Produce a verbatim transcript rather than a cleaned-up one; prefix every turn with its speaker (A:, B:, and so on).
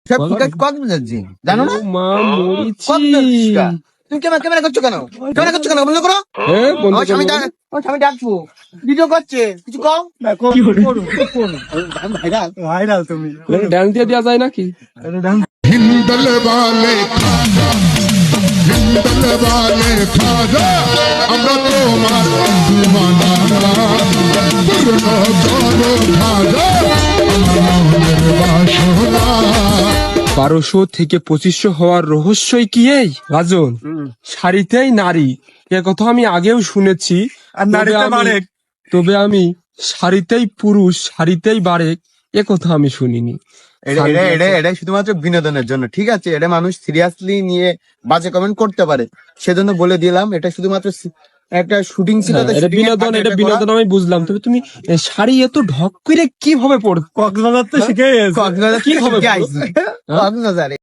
A: সব
B: বলো।
A: কক্সবাজার জি জানো না?
B: ও মা মরিছি।
A: কক্সবাজার শিকা। তুমি ক্যামেরা ক্যামেরা করছো কেন? ক্যামেরা করছো কেন? বন্ধ করো।
B: হ্যাঁ বন্ধ
A: আমার স্বামী
B: করবো।
A: ডাক- আমার স্বামী ডাকবো। ভিডিও করছে কিছু কও। ভাইরাল ভাইরাল তুমি।
B: ড্যান্স দিয়ে দেওয়া যায় নাকি?
C: हिंदल वाले खाजा हिंदल वाले खाजा আমরা তোমার দিওয়ানা পুরনো চলো খাজা আমার মনের বাসনা
B: বারোশো থেকে পঁচিশশো হওয়ার রহস্যই কি এই রাজন? শাড়িতেই নারী, এ কথা আমি আগেও শুনেছি।
A: আর
B: তবে
A: নারীতে
B: আমি-
A: বারেক।
B: তবে আমি শাড়িতেই পুরুষ শাড়িতেই বারেক এ কথা আমি শুনিনি।
A: এটা এটা এটা এটা শুধুমাত্র বিনোদনের জন্য, ঠিক আছে? এটা মানুষ সিরিয়াসলি নিয়ে বাজে কমেন্ট করতে পারে, সেজন্য বলে দিলাম। এটা শুধুমাত্র সি- একটা শুটিং ছিল,
B: হ্যাঁ,
A: তো
B: এটা
A: shooting এর
B: বিনোদন,
A: ফাঁকে
B: এটা
A: এটা করা।
B: বিনোদন আমি বুঝলাম। তবে তুমি এ, শাড়ি এত ঢক করে কিভাবে পড়
A: কক্সবাজার তো শিখে গেছে।
B: কি হবে?
A: কক্সবাজারে